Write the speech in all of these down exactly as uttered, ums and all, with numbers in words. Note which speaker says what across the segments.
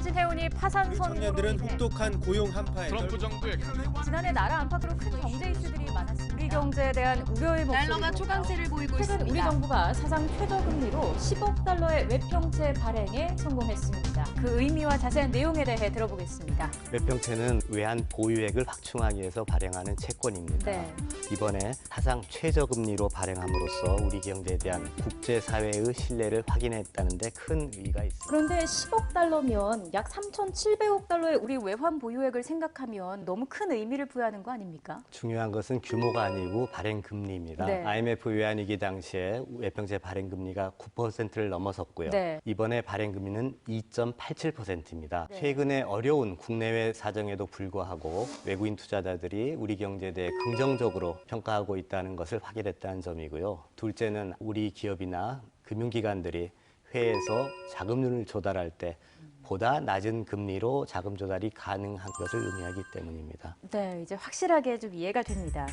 Speaker 1: 신해운이 파산
Speaker 2: 우리
Speaker 1: 선고로
Speaker 2: 청년들은
Speaker 1: 인해
Speaker 2: 혹독한 고용 한파에
Speaker 3: 트럼프 정부의
Speaker 1: 지난해 나라 안팎으로 큰 경제 이슈들이 많았습니다. 우리 경제에 대한 우려의 목소리도
Speaker 4: 달러가 초강세를 보이고
Speaker 1: 최근
Speaker 4: 있습니다.
Speaker 1: 우리 정부가 사상 최저금리로 십억 달러의 외평채 발행에 성공했습니다. 그 의미와 자세한 내용에 대해 들어보겠습니다.
Speaker 5: 외평채는 외환 보유액을 확충하기 위해서 발행하는 채권입니다.
Speaker 1: 네.
Speaker 5: 이번에 사상 최저금리로 발행함으로써 우리 경제에 대한 국제사회의 신뢰를 확인했다는 데 큰 의의가 있습니다.
Speaker 1: 그런데 십억 달러면 약 삼천칠백억 달러의 우리 외환 보유액을 생각하면 너무 큰 의미를 부여하는 거 아닙니까?
Speaker 5: 중요한 것은 규모가 아니고 발행금리입니다.
Speaker 1: 네.
Speaker 5: 아이엠에프 외환위기 당시에 외평채 발행금리가 구 퍼센트를 넘어섰고요.
Speaker 1: 네.
Speaker 5: 이번에 발행금리는 이 점 팔칠 퍼센트입니다.
Speaker 1: 네.
Speaker 5: 최근에 어려운 국내외 사정에도 불구하고 외국인 투자자들이 우리 경제에 대해 긍정적으로 평가하고 있다는 것을 확인했다는 점이고요. 둘째는 우리 기업이나 금융기관들이 해외에서 자금률을 조달할 때 보다 낮은 금리로 자금 조달이 가능한 것을 의미하기 때문입니다.
Speaker 1: 네, 이제 확실하게 좀 이해가 됩니다.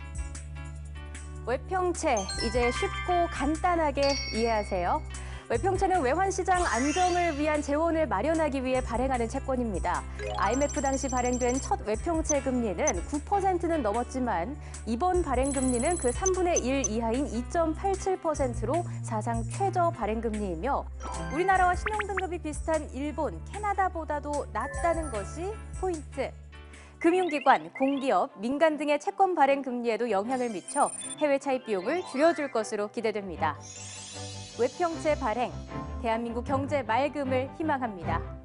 Speaker 1: 외평채, 이제 쉽고 간단하게 이해하세요. 외평채는 외환시장 안정을 위한 재원을 마련하기 위해 발행하는 채권입니다. 아이엠에프 당시 발행된 첫 외평채 금리는 구 퍼센트는 넘었지만 이번 발행 금리는 그 삼분의 일 이하인 이 점 팔칠 퍼센트로 사상 최저 발행 금리이며 우리나라와 신용등급이 비슷한 일본, 캐나다보다도 낮다는 것이 포인트. 금융기관, 공기업, 민간 등의 채권 발행 금리에도 영향을 미쳐 해외 차입 비용을 줄여줄 것으로 기대됩니다. 외평채 발행, 대한민국 경제 맑음을 희망합니다.